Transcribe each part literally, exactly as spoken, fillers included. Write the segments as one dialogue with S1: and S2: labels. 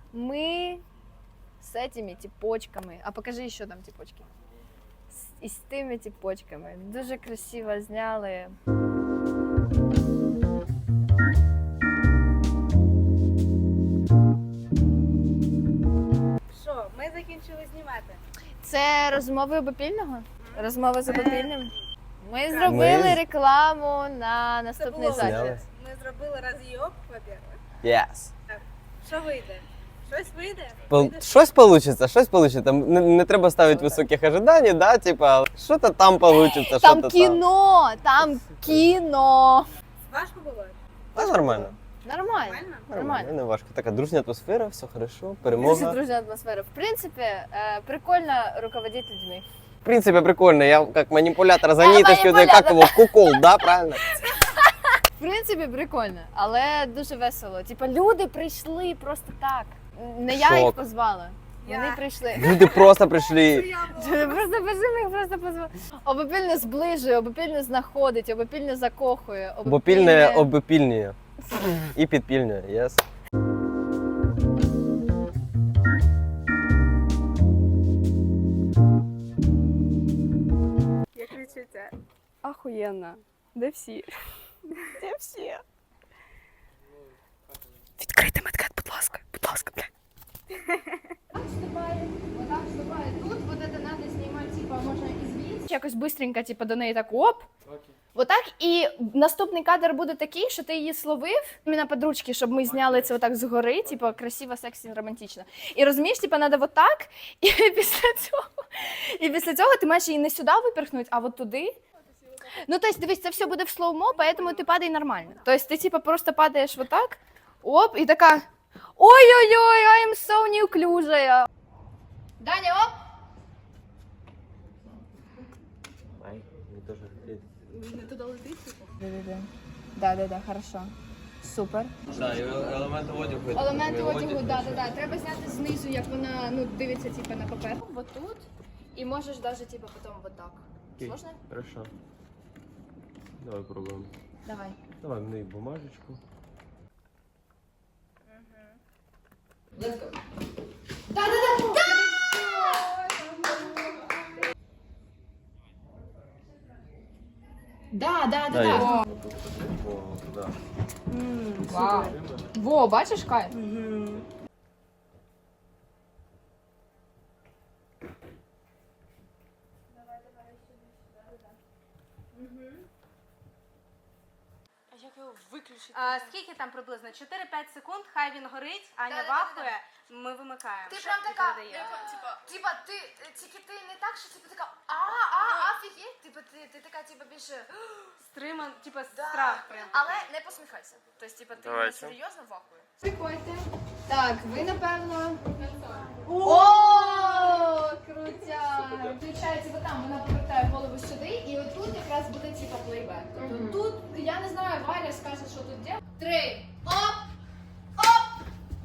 S1: мы с этими типочками. А покажи еще там типочки. С, і з тими типочками. Дуже красиво зняли.
S2: Що, ми закінчили знімати.
S1: Це розмови обопільного? Розмови з обопільним? Ми зробили
S3: Ми-
S1: рекламу на
S2: Це
S1: наступний
S2: було
S1: захід.
S3: Зняли.
S2: Ми зробили розйоб, во-первых.
S3: Yes.
S2: Що вийде? Щось вийде?
S3: Пол-
S2: Вийде?
S3: Щось получится, щось получится. Не, не треба ставити високих ожиданий, да, типа, що-то там получится,
S1: Там
S3: що-то
S1: кіно, там кіно.
S2: Важко було?
S3: там. Та нормально.
S1: Нормально.
S2: Нормально?
S1: Нормально.
S3: Не важко. Така дружня атмосфера, все хорошо,
S1: Дуже
S3: перемога.
S1: дружна атмосфера. В принципі, е, прикольно руководити людьми.
S3: В принципе, прикольно. Я как манипулятор за ниточкой, да,
S1: манипулятор.
S3: как его, кукол, да, правильно?
S1: В принципі, прикольно, але дуже весело. Типа люди прийшли просто так. Не я їх
S3: Шок.
S1: позвала. Вони
S2: Я.
S1: прийшли.
S3: Люди просто прийшли.
S1: Просто бежим їх просто позвала. Обопільно зближує, обопільно знаходить, обопільно закохує.
S3: Бопільне обопільнює. І підпільнює, yes.
S2: Як відчуття?
S4: Ахуєнно. Де всі? Де всі?
S1: Відкрийте медкет, будь ласка, будь ласка, блядь. Так вступає, отак вступає. Тут вот это надо знімати, типа, можна ізвіз. Якось бистренько, типа, до неї так оп. Отак, і наступний кадр буде такий, що ти її словив іменно під ручки, щоб ми зняли це отак згори, типу, красиво, сексі, романтично. І розумієш, типу, треба отак, і після цього, і після цього ти маєш її не сюди виперхнути, а от туди. Ну, тобто, дивись, це все буде в слоумо, поэтому ти падай нормально. Тобто, ти, типу, просто падаєш отак, оп, і така, ой-ой-ой, I am so неуклюжая. Даня, оп!
S2: Не туди летить?
S1: Да-да-да. Да-да-да, хорошо. Супер.
S3: Так, елементи одягу.
S1: Елементи одягу, да-да-да. Треба зняти знизу, як вона, ну, дивиться, типу, на папер. Вот тут. І можеш даже, типу, потім вот так. Сложно?
S3: Хорошо. Давай пробуємо.
S1: Давай.
S3: Давай мені бумажечку.
S1: Let's go. Да-да-да! Да! Да, да, да, да.
S3: О, да.
S1: Вау. Во, бачиш, кайф?
S4: А як його виключити?
S2: А, скільки там приблизно? чотири-п'ять секунд, хай він горить, Аня
S1: Да-да-да-да.
S2: вахує, ми вимикаємо.
S1: Ти
S2: Що
S1: прям
S2: тобі
S1: така,
S2: передає?
S1: типа, типа, ти, тільки ти не так, що типа така, а, а, офігеть, типа, ти, ти така, типа, більше,
S2: Стриман, типа
S1: да.
S2: страх прям.
S1: Але не посміхайся. Тобто, типа, ти
S3: Давайте.
S1: серйозно вахує. Приходьте. Так, ви, напевно... О, крутя! Включається ви там, вона повертає голову сюди, і отут якраз буде, типа, плейбек. Тобто тут, я не знаю, Валя скаже, що тут де. Три, оп, оп!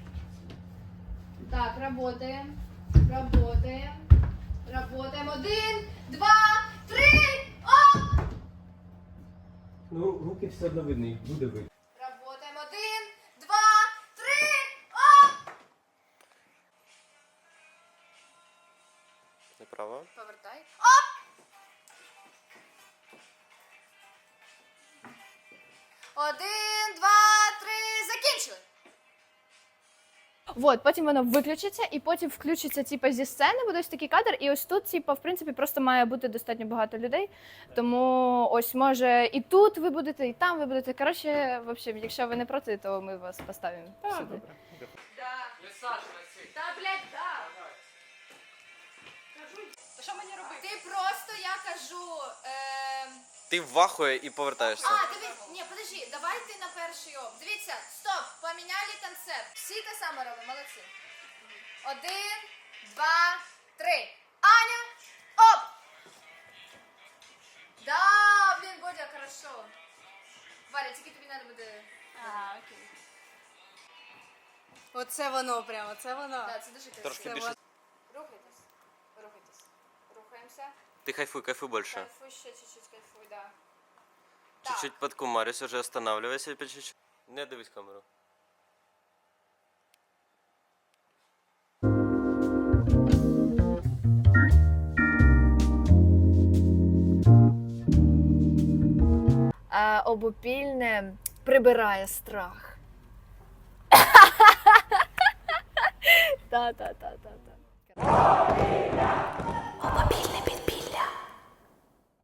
S1: Так, работаем, работаем, работаем. Один, два, три, оп!
S3: Ну, руки все одно видно, їх буде видно.
S1: Работаем. Один, два, три, оп!
S3: Неправо.
S1: Повертай. Оп! Один, два, три, закінчили. Вот, потім воно виключиться, і потім включиться типу, зі сцени, буде ось такий кадр, і ось тут, типу, в принципі, просто має бути достатньо багато людей. Тому ось може і тут ви будете, і там ви будете. Коротше, в общем, якщо ви не проти, то ми вас поставимо сюди.
S2: Та, блядь, да.
S4: Що мені робити?
S1: Ти просто, я кажу. Е...
S3: Ти вахує і повертаєшся.
S1: А, дивись, ні, подожди, давай ти на перший оп. Дивіться, стоп, поміняли концепт. Всі те саме робимо, молодці. Один, два, три. Аня, оп! Да, блін, Бодя, хорошо. Варя, тільки тобі треба буде...
S4: А, окей.
S2: Оце воно прямо, оце воно.
S1: Да, це дуже красиво.
S3: Трошки більше.
S1: Рухайтесь, рухайтесь. Рухаємося.
S3: Ти кайфуй, кайфуй більше.
S1: Кайфуй, ще чуть-чуть кайфуй, да.
S3: Чуть-чуть подкумарюсь, уже останавливайся по чуть-чуть. Не дивись камеру.
S1: А обопільне прибирає страх. Та-та-та-та-та.